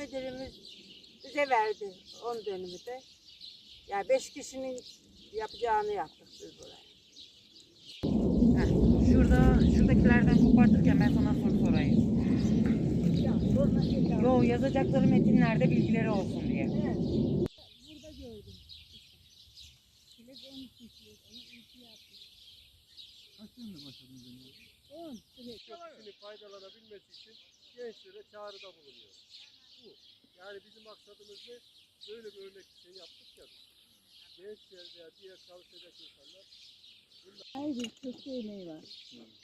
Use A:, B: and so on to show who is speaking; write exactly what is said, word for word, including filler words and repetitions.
A: müdürümüz bize verdi on dönümü de. Yani beş kişinin yapacağını yaptık biz buraya.
B: Heh, şurada, şuradakilerden kopartırken ben sana soru sorayım. Yo, yazacakları metinlerde bilgileri olsun diye.
A: Evet.
C: Burada gördüm. Çilek on iki çilek. Onu iki yaptık.
D: Kaç yılında başladınız önce?
C: on çilek.
E: Kişinin faydalanabilmesi için gençlere çağrıda bulunuyor. Bu. Yani bizim maksadımız ne? Böyle bir örnek bir şey yaptık ya biz. Gençler veya diğer çalışacak insanlar
C: Her bir köşe emeği var.